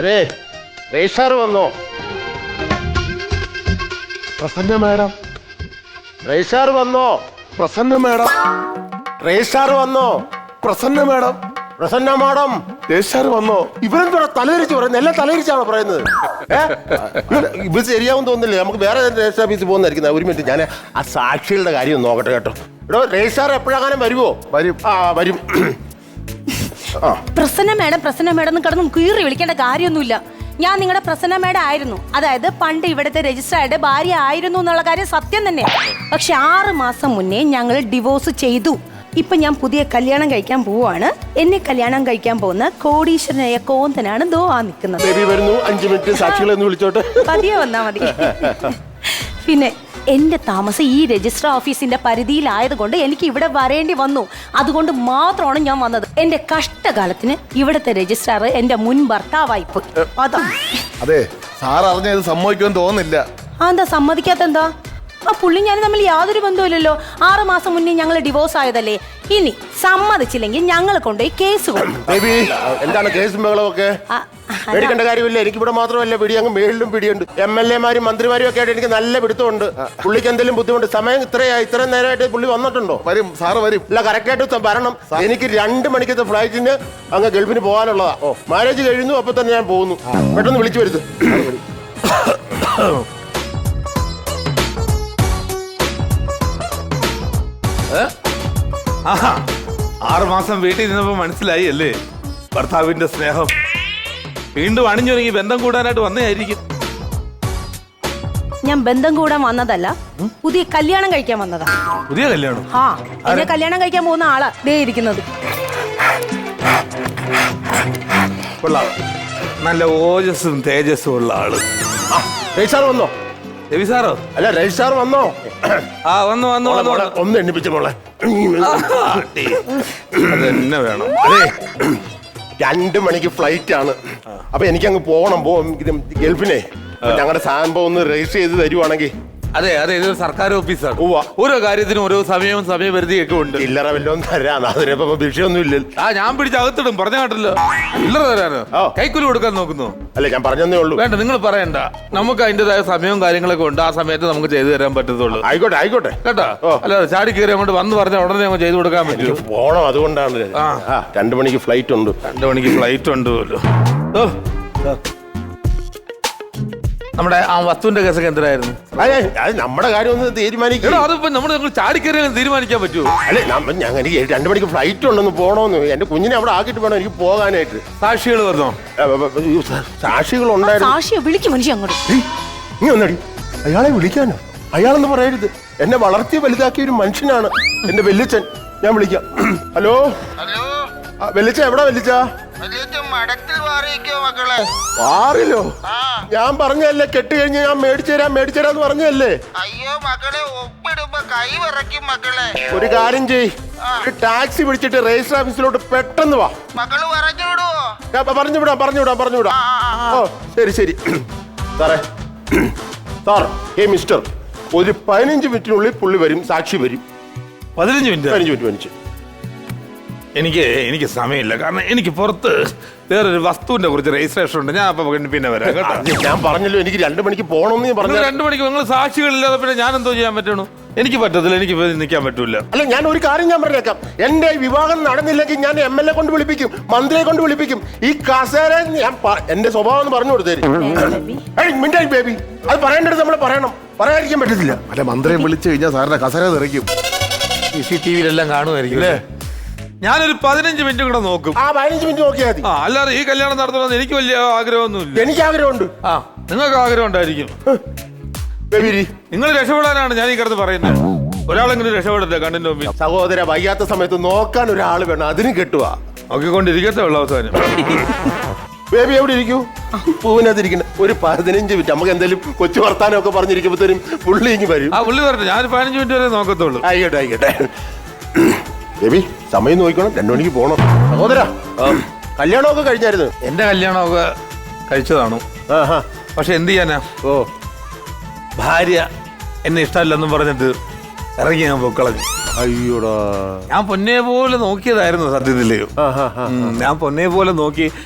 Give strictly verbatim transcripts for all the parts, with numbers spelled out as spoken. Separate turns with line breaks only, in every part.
അതെ രജിസ്ട്രാർ വന്നോ?
Prasanna madam.
Registrar വന്നോ?
പ്രസന്ന മാഡം.
രജിസ്ട്രാർ വന്നോ?
Prasanna madam.
Prasanna madam.
Registrar വന്നോ?
ഇവരെന്തോടെ തലതിരിച്ച് പറയുന്നത്? എല്ലാം തലതിരിച്ചാണോ പറയുന്നത്? ഇത് ശരിയാവും തോന്നുന്നില്ല. നമുക്ക് വേറെ രജിസ്റ്റർ ഓഫീസിൽ പോകുന്നതായിരിക്കും. ഒരു മിനിറ്റ്, ഞാൻ ആ സാക്ഷികളുടെ കാര്യം ഒന്ന് നോക്കട്ടെ കേട്ടോ. എടോ രജിസ്ട്രാർ എപ്പോഴാകാനും വരുമോ?
വരും.
ആ വരും.
പ്രസന്ന മേഡം പ്രസന്ന മേഡം കിടന്ന് കീറി വിളിക്കേണ്ട കാര്യമൊന്നുമില്ല. ഞാൻ നിങ്ങളുടെ പ്രസന്ന മേഡം ആയിരുന്നു. അതായത് പണ്ട് ഇവിടുത്തെ രജിസ്ട്രാറുടെ ഭാര്യ ആയിരുന്നു എന്നുള്ള കാര്യം സത്യം തന്നെ. പക്ഷെ ആറ് മാസം മുന്നേ ഞങ്ങൾ ഡിവോഴ്സ് ചെയ്തു. ഇപ്പൊ ഞാൻ പുതിയ കല്യാണം കഴിക്കാൻ പോവാണ്. എന്നെ കല്യാണം കഴിക്കാൻ പോകുന്ന കോടീശ്വരനായ കോന്തനാണ് ദോ ആ നിൽക്കുന്നത്.
വരുന്നു. അഞ്ചു മിനിറ്റ് സാക്ഷികളെ ഒന്ന് വിളിച്ചോട്ടെ.
പതിയെ വന്നാ മതി. പിന്നെ എന്റെ താമസം ഈ രജിസ്റ്റർ ഓഫീസിന്റെ പരിധിയിലായതുകൊണ്ട് എനിക്ക് ഇവിടെ വരേണ്ടി വന്നു. അതുകൊണ്ട് മാത്രമാണ് ഞാൻ വന്നത്. എന്റെ കഷ്ടകാലത്തിന് ഇവിടുത്തെ രജിസ്ട്രാർ എന്റെ മുൻ ഭർത്താവായിപ്പോയി. അതാ.
അതെ, സാർ അറിഞ്ഞത് സമ്മതിക്കുമെന്ന് തോന്നുന്നില്ല.
ആ എന്താ സമ്മതിക്കാത്ത? എന്താ ആ പുള്ളി ഞാൻ തമ്മിൽ യാതൊരു ബന്ധവുമില്ലല്ലോ. ആറ് മാസം മുന്നേ ഞങ്ങൾ ഡിവോഴ്സ് ആയതല്ലേ. ഇനി സമ്മതിച്ചില്ലെങ്കിൽ ഞങ്ങൾ കൊണ്ടുപോയി കേസ് കൊടുക്കും.
എന്താണ് കേസും ബഹളമൊക്കെ? പേടിക്കേണ്ട കാര്യമില്ല. എനിക്ക് ഇവിടെ മാത്രമല്ല പിടി, അങ്ങ് മേളിലും പിടിയുണ്ട്. എം എൽ എമാരും മന്ത്രിമാരും ഒക്കെ ആയിട്ട് എനിക്ക് നല്ല പിടുത്തമുണ്ട്. പുള്ളിക്ക് എന്തെങ്കിലും ബുദ്ധിമുട്ട്? സമയം ഇത്രയായി, ഇത്രയും നേരമായിട്ട് പുള്ളി വന്നിട്ടുണ്ടോ?
വരും സാറ് വരും.
അല്ല, കറക്റ്റായിട്ട് വരണം. എനിക്ക് രണ്ട് മണിക്കത്തെ ഫ്ലൈറ്റിന് അങ്ങ് ഗൾഫിന് പോകാനുള്ളതാ. ഓ മാരേജ് കഴിഞ്ഞു, അപ്പൊ തന്നെ ഞാൻ പോകുന്നു. പെട്ടെന്ന് വിളിച്ചു വരുത്ത്.
ആറു മാസം വീട്ടിൽ നിന്നപ്പോ മനസ്സിലായി അല്ലേ ഭർത്താവിന്റെ സ്നേഹം. വീണ്ടും അണിഞ്ഞൊരുങ്ങി ബന്ധം കൂടാനായിട്ട് വന്നതായിരിക്കും.
ഞാൻ ബന്ധം കൂടാൻ വന്നതല്ല, പുതിയ കല്യാണം കഴിക്കാൻ വന്നതാ.
പുതിയ കല്യാണം?
ആ, എന്നെ കല്യാണം കഴിക്കാൻ പോകുന്ന ആളാ ദേ ഇരിക്കുന്നത്.
കൊള്ളാം, നല്ല ഓജസ്സും തേജസ്സും ഉള്ള ആള്.
രജിസ്ട്രാർ വന്നോ?
രവി സാറോ?
അല്ല, രജിസ്ട്രാർ വന്നോ?
ആ വന്നു വന്നു വന്നു.
ഒന്ന് എണ്ണിപ്പിച്ച മോളെ.
അതെന്നെ വേണം.
അതെ, രണ്ട് മണിക്ക് ഫ്ലൈറ്റ് ആണ്. അപ്പൊ എനിക്കങ്ങ് പോകണം. പോ ഗൾഫിനെ. ഞങ്ങളുടെ സാധനം ഒന്ന് രജിസ്റ്റർ ചെയ്ത് തരുവാണെങ്കിൽ.
അതെ അതെ, ഇതൊരു സർക്കാർ ഓഫീസാണ്.
ഉവ്വ.
ഓരോ കാര്യത്തിനും ഓരോ സമയവും സമയപരിധിയൊക്കെ ഉണ്ട്.
ചില്ലറ വല്ലതും തരാം, അതിനിപ്പോ വിഷയമൊന്നും ഇല്ല.
ആ ഞാൻ പിടിച്ച് അകത്തിടും, പറഞ്ഞ കേട്ടല്ലോ. ചില്ലറ തരാനോ? കൈക്കൂലി കൊടുക്കാൻ നോക്കുന്നു?
അല്ല, ഞാൻ പറഞ്ഞതേ ഉള്ളൂ.
വേണ്ട, നിങ്ങൾ പറയണ്ട. നമുക്ക് അതിൻ്റെതായ സമയവും കാര്യങ്ങളൊക്കെ ഉണ്ട്. ആ സമയത്ത് നമുക്ക് ചെയ്തു തരാൻ പറ്റത്തുള്ളൂ.
ആയിക്കോട്ടെ ആയിക്കോട്ടെ
കേട്ടോ. അല്ല, ചാടി കയറി അങ്ങോട്ട് വന്ന് പറഞ്ഞ ഉടനെ നമുക്ക് ചെയ്തു കൊടുക്കാൻ പറ്റും.
പോണം, അതുകൊണ്ടാണ്. ആ രണ്ടു മണിക്ക് ഫ്ലൈറ്റ് ഉണ്ട്.
രണ്ടു മണിക്ക് ഫ്ലൈറ്റ് ഉണ്ട് പോലും. ഓ, നമ്മുടെ ആ വസ്തുവിന്റെ കേസൊക്കെ എന്തായിരുന്നു?
അത് നമ്മുടെ കാര്യം ഒന്ന് തീരുമാനിക്കണം.
അതിപ്പോ നമ്മൾ ചാടിക്കയറി തീരുമാനിക്കാൻ പറ്റുമോ?
അല്ലെ, ഞാൻ എനിക്ക് രണ്ടു മണിക്ക് ഫ്ലൈറ്റ് ഉണ്ടെന്ന് പോണോന്ന്. എന്റെ കുഞ്ഞിനെ അവിടെ ആക്കിയിട്ട് വേണം എനിക്ക് പോകാനായിട്ട്.
സാക്ഷികൾ വന്നോ?
സാക്ഷികൾ ഉണ്ടായിരുന്നു.
സാക്ഷിയെ വിളിക്കും മനുഷ്യ അങ്ങോട്ട്.
നീ ഒന്നടി, അയാളെ വിളിക്കാനോ? അയാളെന്ന് പറയരുത്. എന്നെ വളർത്തി വലുതാക്കിയ ഒരു മനുഷ്യനാണ് എന്റെ വെല്ലിച്ചൻ. ഞാൻ വിളിക്കാം. ഹലോ വെല്ലിച്ച, എവിടാ വെല്ലിച്ച? വാറിലോ? ഞാൻ പറഞ്ഞല്ലേ, കെട്ട് കഴിഞ്ഞ് ഞാൻ മേടിച്ചു തരാം മേടിച്ചു തരാന്ന് പറഞ്ഞല്ലേ.
അയ്യോ മക്കളെ, ഒപ്പിടുമ്പോ കൈ വിറയ്ക്കും മക്കളെ.
ഒരു കാര്യം ചെയ്, ഒരു ടാക്സി പിടിച്ചിട്ട് രജിസ്റ്റർ ഓഫീസിലോട്ട് പെട്ടെന്ന് വാ.
മക്കള് പറഞ്ഞു വിടുവോ?
പറഞ്ഞു വിടാം പറഞ്ഞു വിടാം പറഞ്ഞു വിടാം. ഓ ശരി ശരി. സാറേ, സാർ, ഹേ മിസ്റ്റർ, ഒരു പതിനഞ്ച് മിനിറ്റിനുള്ളിൽ പുള്ളി വരും, സാക്ഷി വരും.
പതിനഞ്ച് മിനിറ്റ്
പതിനഞ്ച് മിനിറ്റ് പതിനഞ്ച്
എനിക്ക് എനിക്ക് സമയമില്ല. കാരണം എനിക്ക് പുറത്ത് വേറൊരു വസ്തുവിന്റെ കുറിച്ച് രജിസ്ട്രേഷൻ ഉണ്ട്. ഞാൻ അപ്പൊ പിന്നെ വരാം കേട്ടോ.
ഞാൻ പറഞ്ഞല്ലോ, എനിക്ക് രണ്ടു മണിക്ക് പോകണമെന്ന് ഞാൻ പറഞ്ഞു.
രണ്ടു മണിക്ക് നിങ്ങൾ സാക്ഷികളില്ലാതെ പിന്നെ ഞാൻ എന്തോ ചെയ്യാൻ പറ്റണു? എനിക്ക് പറ്റത്തില്ല, എനിക്ക് നിൽക്കാൻ പറ്റൂല.
അല്ല, ഞാൻ ഒരു കാര്യം ഞാൻ പറഞ്ഞേക്കാം. എന്റെ വിവാഹം നടന്നില്ലെങ്കിൽ ഞാൻ എം എൽ എ കൊണ്ട് വിളിപ്പിക്കും, മന്ത്രിയെ കൊണ്ട് വിളിപ്പിക്കും. ഈ കസേര ഞാൻ എന്റെ സ്വഭാവം ഒന്ന് പറഞ്ഞു കൊടുത്തേരും. മിണ്ടായി ബേബി, അത് പറയേണ്ടത് നമ്മൾ പറയണം, പറയാതിരിക്കാൻ പറ്റത്തില്ല.
അല്ല, മന്ത്രിയെ വിളിച്ചു കഴിഞ്ഞാൽ സാറിന്റെ കസേര തെറിക്കും.
സി സി ടി വിയിലെല്ലാം കാണുമായിരിക്കും അല്ലേ? ഞാനൊരു പതിനഞ്ച് മിനിറ്റ് കൂടെ നോക്കും.
ആ പതിനഞ്ച് മിനിറ്റ് നോക്കിയാൽ മതി.
ആ അല്ലാതെ ഈ കല്യാണം നടത്തണമെന്ന് എനിക്ക് വലിയ ആഗ്രഹമൊന്നുമില്ല.
എനിക്ക് ആഗ്രഹമുണ്ട്.
ആ നിങ്ങൾക്ക് ആഗ്രഹം ഉണ്ടായിരിക്കും. നിങ്ങൾ രക്ഷപ്പെടാനാണ് ഞാൻ ഈ കിടന്ന് പറയുന്നത്. ഒരാളെങ്കിലും രക്ഷപ്പെടട്ടെ കണ്ണിന്റെ മുമ്പിൽ.
സഹോദര, വയ്യാത്ത സമയത്ത് നോക്കാൻ ഒരാൾ വേണം, അതിന് കെട്ടുക.
നോക്കിക്കൊണ്ടിരിക്കത്തെ ഉള്ള അവസാനം.
ബേബി എവിടെ ഇരിക്കൂ? പൂവിനകത്തിരിക്കണ ഒരു പതിനഞ്ച് മിനിറ്റ് നമുക്ക് എന്തെങ്കിലും കൊച്ചു വർത്താനം ഒക്കെ പറഞ്ഞിരിക്കുമ്പോഴത്തേനും പുള്ളി ഇങ്ങ് വരും.
ആ പുള്ളി വരട്ടെ, ഞാൻ പതിനഞ്ച് മിനിറ്റ് വരെ നോക്കത്തുള്ളൂ.
ആയിക്കോട്ടെ ആയിക്കോട്ടെ. ബേബി, സമയം നോക്കണം, രണ്ടു മണിക്ക് പോണം. സഹോദര, കല്യാണമൊക്കെ കഴിഞ്ഞായിരുന്നു?
എന്റെ കല്യാണമൊക്കെ കഴിച്ചതാണു. പക്ഷെ എന്ത് ചെയ്യാനാ,
ഓ
ഭാര്യ എന്നെ ഇഷ്ടമല്ലെന്നും പറഞ്ഞിട്ട് ഇറങ്ങി ഞാൻ പൊക്കളഞ്ഞു.
അയ്യോടാ,
ഞാൻ പൊന്നെ പോലെ നോക്കിയതായിരുന്നു സത്യത്തില്. ഞാൻ പൊന്നെ പോലെ നോക്കി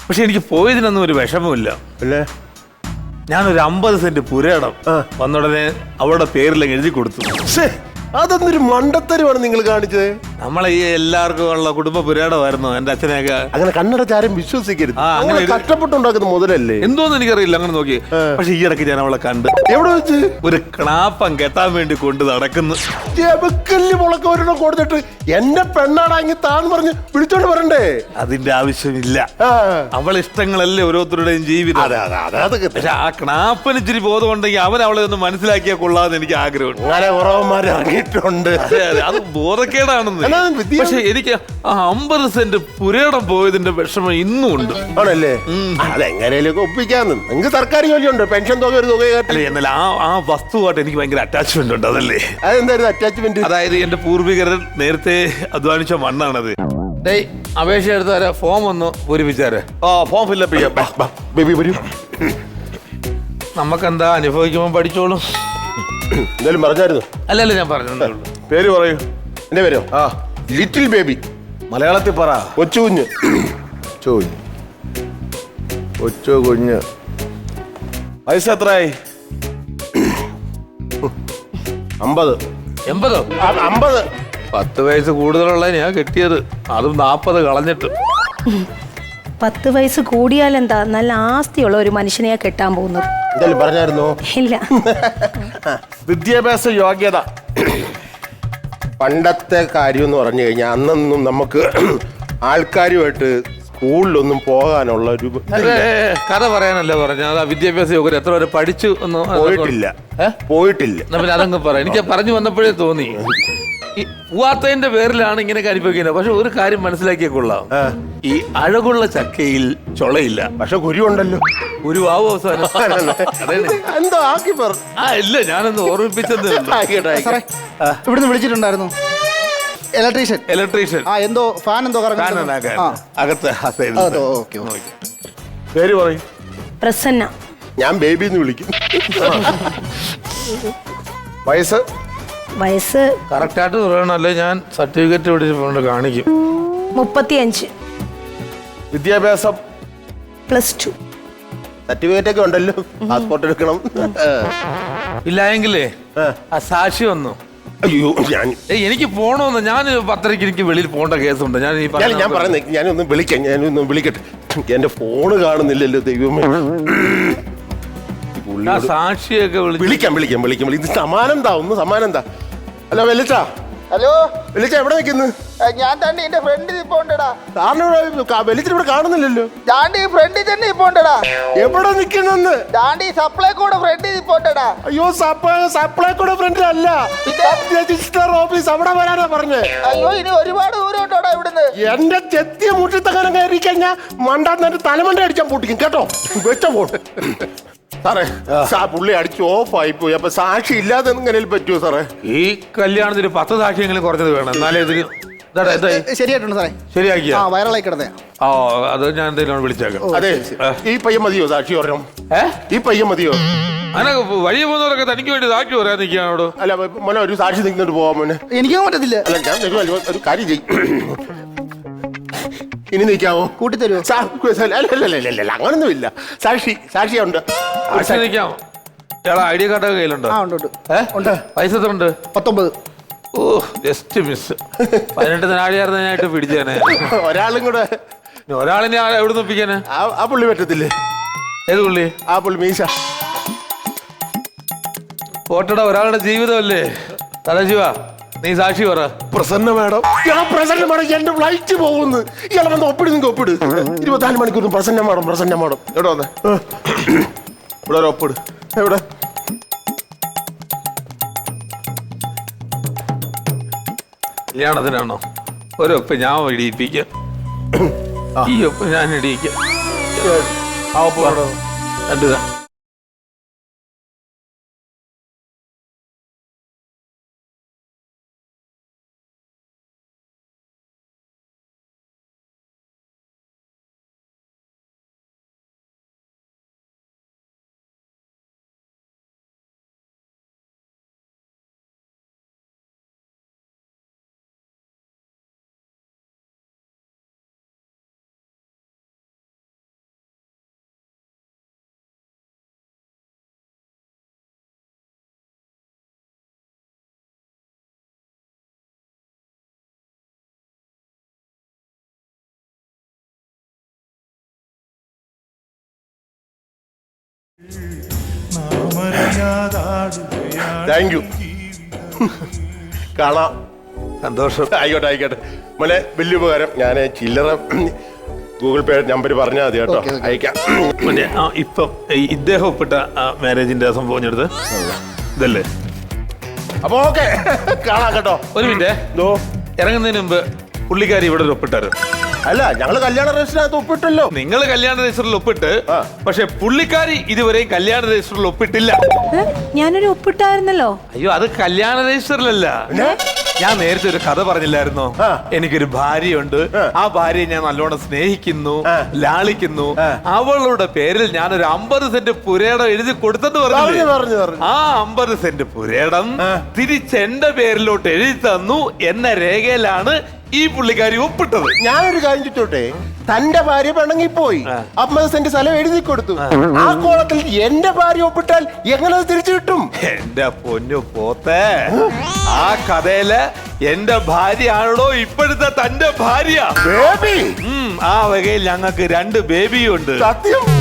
പക്ഷെ എനിക്ക് പോയതിനൊന്നും ഒരു വിഷമമില്ല.
അല്ലേ?
ഞാനൊരു അമ്പത് സെന്റ് പുരയിടം വന്നുടനെ അവളുടെ പേരിലേക്ക് എഴുതി കൊടുത്തു.
ശ്ശേ, അതൊന്നൊരു മണ്ടത്തരമാണ് നിങ്ങൾ കാണിച്ചത്.
നമ്മളെ ഈ എല്ലാവർക്കും ഉള്ള കുടുംബ പുരയിടമായിരുന്നു എന്റെ അച്ഛനെയൊക്കെ.
അങ്ങനെ കണ്ണടച്ചാരും വിശ്വസിക്കരുത്.
ആ, അങ്ങനെ
അങ്ങനെ
ഇത്
കഷ്ടപ്പെട്ടുണ്ടാക്കുന്ന മുതലല്ലേ.
എന്തോന്ന് എനിക്കറിയില്ല, അങ്ങനെ നോക്കി. പക്ഷെ ഈ ഇടയ്ക്ക് ഞാൻ അവളെ കണ്ട്
എവിടെ വെച്ച്?
ഒരു ക്ലാപ്പം കെട്ടാൻ വേണ്ടി കൊണ്ട് നടക്കുന്നു.
ചെബക്കല്ല് മുളക്ക ഒരെണ്ണം കൊടുത്തിട്ട് എന്റെ പെണ്ണാടാങ്ങി താന്ന് പറഞ്ഞ് വിളിച്ചോണ്ട് വരണ്ടേ?
അതിന്റെ ആവശ്യമില്ല.
ആ.
അവൾ ഇഷ്ടങ്ങളല്ലേ ഓരോരുത്തരുടെയും ജീവിതം.
അതെ അതെ അതെ അതൊക്കെ
പക്ഷെ ആ ക്ലാപ്പന് ഇച്ചിരി ബോധമുണ്ടെങ്കിൽ അവൻ അവളെ ഒന്ന് മനസ്സിലാക്കിയാൽ കൊള്ളാന്ന് എനിക്ക് ആഗ്രഹമുണ്ട്.
അങ്ങനെ കുറവന്മാർ ഇറങ്ങിയിട്ടുണ്ട്.
അതെ, അതെ, അത് ബോധക്കേടാണെന്ന്.
എന്നാ വിദ്യ-
പക്ഷെ എനിക്ക് ആ അമ്പത് സെന്റ് പുരയിടം പോയതിന്റെ വിഷമം ഇന്നും ഉണ്ട്.
ആണല്ലേ? അതെങ്ങനെയൊക്കെ ഒപ്പിക്കാന്ന്. നിങ്ങൾക്ക് സർക്കാർ ജോലിയുണ്ട്, പെൻഷൻ തുക ഒരു തുക
അല്ലെ,
കയറ്റി.
എന്നാൽ ആ ആ വസ്തുവായിട്ട് എനിക്ക് ഭയങ്കര അറ്റാച്ച്മെന്റ് ഉണ്ട്. അതല്ലേ,
അതെന്തായിരുന്നു അറ്റാച്ച്മെന്റ്?
അതായത് എന്റെ പൂർവികർ നേരത്തെ അധ്വാനിച്ച മണ്ണാണത്. ഡേയ്, അപേക്ഷ എടുത്ത് തരാം, ഫോം ഒന്ന് പൂരിപ്പിച്ചാരെ.
ആ ഫോം ഫില്ലപ്പ് ചെയ്യാം.
ബേബി വരൂ.
നമുക്കെന്താ അനുഭവിക്കുമ്പോൾ പഠിച്ചോളും.
എന്തായാലും പറഞ്ഞായിരുന്നു.
അല്ലല്ല, ഞാൻ പറഞ്ഞു.
പേര് പറയൂ.
എന്റെ പേരോ?
ആ
ലിറ്റിൽ ബേബി.
മലയാളത്തിൽ പറ.
കൊച്ചു കുഞ്ഞ്.
കൊച്ചു കുഞ്ഞ്. കൊച്ചു കുഞ്ഞ്. വയസ്സ് എത്രയായി?
അമ്പത്.
എൺപതോ?
ആ, അമ്പത്.
പത്ത് വയസ്സ് കൂടുതലുള്ള ഞാൻ കെട്ടിയത്, അതും നാപ്പത് കളഞ്ഞിട്ട്.
പത്ത് വയസ്സ് കൂടിയാലെന്താ, നല്ല ആസ്തിയുള്ള ഒരു മനുഷ്യനെയാ കെട്ടാൻ പോകുന്നത്.
എന്തായാലും പറഞ്ഞായിരുന്നോ?
ഇല്ല.
വിദ്യാഭ്യാസ യോഗ്യത.
പണ്ടത്തെ കാര്യം എന്ന് പറഞ്ഞു കഴിഞ്ഞാൽ അന്നൊന്നും നമുക്ക് ആൾക്കാരുമായിട്ട് സ്കൂളിലൊന്നും പോകാനുള്ള ഒരു
അതെ, കഥ പറയാനല്ലേ പറഞ്ഞ. അതാ വിദ്യാഭ്യാസ യോഗ്യത എത്ര വരെ പഠിച്ചു എന്ന്
പോയിട്ടില്ല. പോയിട്ടില്ല.
എന്നാ പിന്നെ അതങ്ങ് പറയാം. എനിക്ക് പറഞ്ഞു വന്നപ്പോഴേ തോന്നി ഈ പൂവാത്തതിന്റെ പേരിലാണ് ഇങ്ങനെയൊക്കെ അനുഭവിക്കുന്നത്. പക്ഷെ ഒരു കാര്യം മനസ്സിലാക്കിയ കൊള്ളാം, ഈ അഴകുള്ള ചക്കയിൽ ചൊളയില്ല,
പക്ഷെ കുരു ഉണ്ടല്ലോ.
ഒരു ആവും അവസാനം. അതാണ്.
എന്തോ ആക്കി പറ.
ആ ഇല്ല, ഞാനൊന്ന് ഓർമ്മിപ്പിച്ചതേ ഉള്ളൂ.
ആയിക്കോട്ടെ,
സാറേ
ആയിക്കോട്ടെ.
ഇവിടുന്ന് വിളിച്ചിട്ടുണ്ടായിരുന്നു ഇലക്ട്രീഷ്യൻ.
ഇലക്ട്രീഷ്യൻ
ആ എന്തോ ഫാൻ എന്തോ കറങ്ങുന്നു. ആ
അകത്ത് ആ side ൽ.
അതോ, ഓക്കെ ഓക്കെ.
പേര് പറയും.
പ്രസന്ന.
ഞാൻ ബേബി എന്ന് വിളിക്കും.
വയസ്സ്?
വയസ്സ്
കറക്റ്റായിട്ട് പറയണല്ലേ, ഞാൻ സർട്ടിഫിക്കറ്റ് പിടിച്ചിട്ടുണ്ട്, കാണിക്കും.
മുപ്പത്തിയഞ്ച്.
വിദ്യാഭ്യാസം?
Plus two.
സർട്ടിഫിക്കറ്റ് ഒക്കെ ഉണ്ടല്ലോ. പാസ്പോർട്ട് എടുക്കണം.
ഇല്ല എങ്കിലേ ആ സാക്ഷി വന്നു.
അയ്യോ, ഞാൻ
ഏയ് എനിക്ക് പോണോന്ന്. ഞാൻ പത്തരയ്ക്ക് എനിക്ക് വെളിയിൽ പോകേണ്ട കേസുണ്ട്. ഞാൻ ഈ
ഞാൻ ഞാൻ പറയുന്നത് ഞാനൊന്ന് വിളിക്കാം. ഞാനൊന്ന് വിളിക്കട്ടെ. എന്റെ ഫോണ് കാണുന്നില്ലല്ലോ ദൈവമേ.
ആ സാക്ഷിയൊക്കെ വിളിച്ചു.
വിളിക്കാം വിളിക്കാം വിളിക്കാം. ഇത് സമാനം താ, ഒന്ന് സമാനം താ. ഹലോ വെല്ലിച്ച.
ഹലോ,
വെല്ലിച്ച എവിടെ നിൽക്കുന്നു?
ഞാൻ തന്നെ എന്റെ ഫ്രണ്ട് ഇപ്പൊ ഉണ്ടടാ.
സാറിന് വെല്ലിച്ചിട്ട് ഇവിടെ കാണുന്നില്ലല്ലോ.
ദാണ്ടി ഫ്രണ്ടിൽ തന്നെ ഇപ്പൊ ഉണ്ടടാ.
എവിടെ നിൽക്കുന്നെന്ന്?
ദാണ്ടി സപ്ലൈ കൂടെ ഫ്രണ്ടിൽ ഇപ്പൊ ഉണ്ടടാ.
അയ്യോ, സപ്ലൈ സപ്ലൈ കൂടെ ഫ്രണ്ടിലല്ല, രജിസ്റ്റർ ഓഫീസ് അവിടെ വരാനാ പറഞ്ഞേ.
അയ്യോ, ഇനി ഒരുപാട് ദൂരം ഉണ്ടോടാ ഇവിടുന്ന്.
എന്റെ ചെത്തിയ മുറ്റത്തങ്ങനെ കയറി കഴിഞ്ഞാൽ മണ്ടാന്ന് തലമണ്ട അടിച്ചാൻ പൊട്ടിക്കും കേട്ടോ. വെച്ച പോട്ട് സാറേ. സാ പുള്ളി അടിച്ച് ഓഫായി പോയി. അപ്പൊ സാക്ഷി ഇല്ലാതെ എങ്ങനെ പറ്റുമോ സാറേ?
ഈ കല്യാണത്തിന് പത്ത് സാക്ഷിയെങ്കിലും കുറഞ്ഞത് വേണം, എന്നാലേ ഇതിന് ഇതാടാ, ഇതായി
ശരിയായിട്ടുണ്ട് സാറേ.
ശരിയാക്കിയ.
ആ വൈറലായി കിടന്നേ.
ഓ, അത് ഞാൻ എന്തെങ്കിലും വിളിച്ചേക്കാം.
അതെ, ഈ പയ്യൻ മതിയോ സാക്ഷി പറഞ്ഞു?
ഏ
ഈ പയ്യൻ മതിയോ?
അങ്ങനെ വഴി പോകുന്നവരൊക്കെ തനിക്ക് വേണ്ടി സാക്ഷി പറയാൻ നിൽക്കുകയാണോട്?
അല്ല മോനെ, ഒരു സാക്ഷി നിന്നിട്ട് പോവാൻ മോനെ.
എനിക്കും പറ്റത്തില്ല.
അല്ല ഞാൻ തരുമോ? ഒരു കാര്യം ചെയ്യും. ഇനി നിൽക്കാവോ?
കൂട്ടിത്തരുമോ?
അല്ലല്ല, അങ്ങനൊന്നും ഇല്ല. സാക്ഷി സാക്ഷിയുണ്ട്.
സാക്ഷി നിൽക്കാം. ചേട്ടാ, ഐ ഡി കാർഡൊക്കെ കയ്യിലുണ്ടോ?
ആ ഉണ്ട് ഉണ്ട്
ഏ
ഉണ്ട്.
പൈസ എത്ര ഉണ്ട്?
പത്തൊമ്പത്.
ഓ, ജസ്റ്റ് മിസ്. പതിനെട്ട് നാഴിയായിരുന്നായിട്ട് പിടിച്ചേനെ.
ഒരാളും കൂടെ.
ഇനി ഒരാളിനെ ആ- എവിടെ നിന്ന് ഒപ്പിക്കാന്?
ആ- ആ പുള്ളി പറ്റത്തില്ലേ?
ഏത് പുള്ളി?
ആ പുള്ളി മീശ.
പോട്ടട, ഒരാളുടെ ജീവിതമല്ലേ. സദാശിവ, നീ സാക്ഷി പറ.
പ്രസന്ന മാഡം.
ഞാൻ പ്രസന്ന മാഡം, എന്റെ ഫ്ലൈറ്റ് പോകുന്നു. ഇയാളെ വന്ന് ഒപ്പിട്, നിങ്ങൾക്ക് ഒപ്പിട്. ഇരുപത്തിനാല് മണിക്കൂർ പ്രസന്ന മാഡം, പ്രസന്ന മാഡം.
എവിടെ വന്നേ? ഇവിടെ ഒരു ഒപ്പിട്.
എവിടെ?
കല്യാണത്തിനാണോ? ഒരൊപ്പ് ഞാൻ ഇടിയിപ്പിക്കാം. ഈ ഒപ്പ് ഞാൻ ഇടിയിക്കാം. ആ ഒപ്പ് രണ്ടു
താങ്ക് യു. കാണാം.
സന്തോഷം.
ആയിക്കോട്ടെ ആയിക്കോട്ടെ മോനെ, വലിയ ഉപകാരം. ഞാൻ ചില്ലറ ഗൂഗിൾ പേ നമ്പർ പറഞ്ഞാൽ മതി കേട്ടോ.
Okay, okay.
അയക്കാം.
പിന്നെ ആ, ഇപ്പം ഈ ഇദ്ദേഹം ഒപ്പിട്ട മാരേജിന്റെ സംഭവം എടുത്ത് ഇതല്ലേ?
അപ്പൊ ഓക്കെ, കാണാം കേട്ടോ.
ഒരു മിനിറ്റ്.
ദോ.
ഇറങ്ങുന്നതിന് മുമ്പ് പുള്ളിക്കാരി ഇവിടെ ഒരു ഒപ്പിട്ടാరు.
അല്ല, ഞങ്ങള് കല്യാണ രജിസ്റ്ററിനകത്ത് ഒപ്പിട്ടല്ലോ.
നിങ്ങൾ കല്യാണ രജിസ്റ്ററിൽ ഒപ്പിട്ട്,
ആ.
പക്ഷെ പുള്ളിക്കാരി ഇതുവരെയും കല്യാണ രജിസ്റ്ററിൽ ഒപ്പിട്ടില്ല.
ഏ? ഞാനൊരു ഒപ്പിട്ടായിരുന്നല്ലോ.
അയ്യോ, അത് കല്യാണ രജിസ്റ്ററിലല്ല. ഞാൻ നേരത്തെ ഒരു കഥ പറഞ്ഞില്ലായിരുന്നോ?
ആ.
എനിക്കൊരു ഭാര്യയുണ്ട്.
ആ.
ആ ഭാര്യയെ ഞാൻ നല്ലോണം സ്നേഹിക്കുന്നു,
ആ.
ലാളിക്കുന്നു.
ആ.
അവളുടെ പേരിൽ ഞാൻ ഒരു അമ്പത് സെന്റ് പുരേടം എഴുതി കൊടുത്തെന്ന്
പറഞ്ഞു
പറഞ്ഞു.
പറഞ്ഞു പറഞ്ഞു.
ആ അമ്പത് സെന്റ് പുരേടം
ആ.
തിരിച്ച് എന്റെ പേരിലോട്ട് എഴുതി തന്നു എന്ന രേഖയിലാണ് ഈ പുള്ളിക്കാരി ഒപ്പിട്ടത്.
ഞാനൊരു കാര്യം ചോദിച്ചോട്ടെ, തന്റെ ഭാര്യ പിണങ്ങിപ്പോയി,
ആ.
അമ്പത് സെന്റ് സ്ഥലം എഴുതി കൊടുത്തു. ആ കോളത്തിൽ എന്റെ ഭാര്യ ഒപ്പിട്ടാൽ എങ്ങനെ അത് തിരിച്ചു കിട്ടും?
എന്റെ പൊന്നു പോത്തെ, ആ കഥയില് എന്റെ ഭാര്യയാണല്ലോ ഇപ്പോഴത്തെ തന്റെ ഭാര്യ.
ബേബി,
ഉം, ആ വകയിൽ ഞങ്ങൾക്ക് രണ്ട് ബേബിയും ഉണ്ട്.
സത്യം.